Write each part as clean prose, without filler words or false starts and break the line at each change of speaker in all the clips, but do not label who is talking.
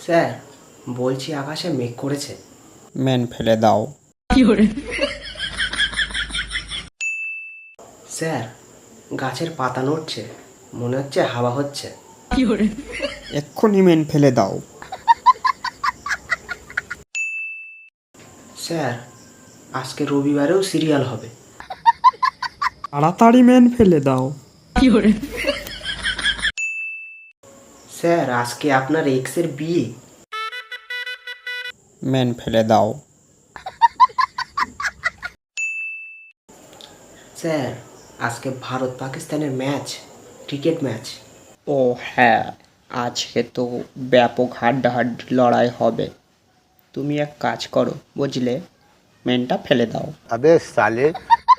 Sir, বলছি আকাশে মেঘ করেছে।
মেন ফেলে দাও।
স্যার, গাছের পাতা নড়ছে, মনে হচ্ছে হাওয়া হচ্ছে।
এক্ষুনি মেন ফেলে দাও।
স্যার, আজকে রবিবারেও সিরিয়াল হবে।
তাড়াতাড়ি মেন ফেলে দাও।
স্যার, আজকে আপনার এক্সের বিয়ে।
মেন ফেলে দাও।
স্যার, আজকে ভারত পাকিস্তানের ম্যাচ, ক্রিকেট ম্যাচ।
ও হ্যাঁ, আজকে তো ব্যাপক হাড্ডাহাড্ডি লড়াই হবে। তুমি এক কাজ করো, বুঝলে, মেনটা ফেলে দাও।
अबे साले।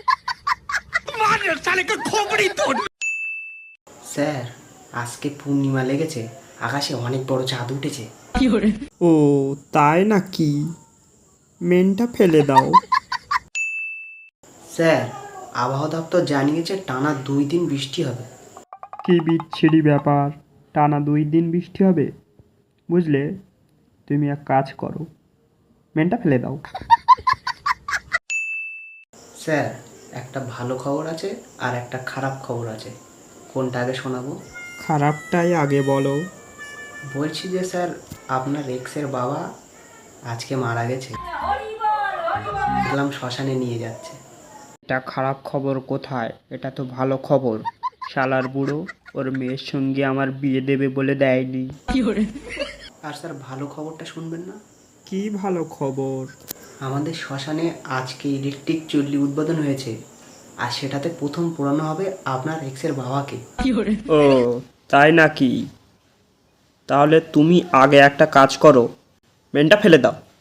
স্যার, আজকে পূর্ণিমা লেগেছে, আকাশে অনেক বড় চাঁদ উঠেছে।
ও তাই নাকি? মেনটা ফেলে দাও।
স্যার, আবহাওয়া দপ্তর জানিয়েছে টানা 2 দিন বৃষ্টি হবে।
কি বিচ্ছিরি ব্যাপার, টানা 2 দিন বৃষ্টি হবে। বুঝলে, তুমি এক কাজ করো, মেনটা ফেলে দাও।
স্যার, একটা ভালো খবর আছে আর একটা খারাপ খবর আছে, কোনটা আগে শোনাবো?
খারাপটাই আগে বলো।
বলছি যে স্যার, আপনার এক্সের বাবা আজকে মারা গেছে। দেখলাম শ্মশানে নিয়ে যাচ্ছে।
এটা খারাপ খবর কোথায়? এটা তো ভালো খবর। শালার বুড়ো ওর মেয়ের সঙ্গে আমার বিয়ে দেবে বলে দেয়নি।
আর স্যার, ভালো খবরটা শুনবেন না?
কি ভালো খবর?
আমাদের শ্মশানে আজকে ইলেকট্রিক চুল্লি উদ্বোধন হয়েছে, আর সেটাতে প্রথম পোড়ানো হবে আপনার এক্সের বাবাকে।
ও তাই নাকি? তাহলে তুমি আগে একটা কাজ করো, মেনটা ফেলে দাও।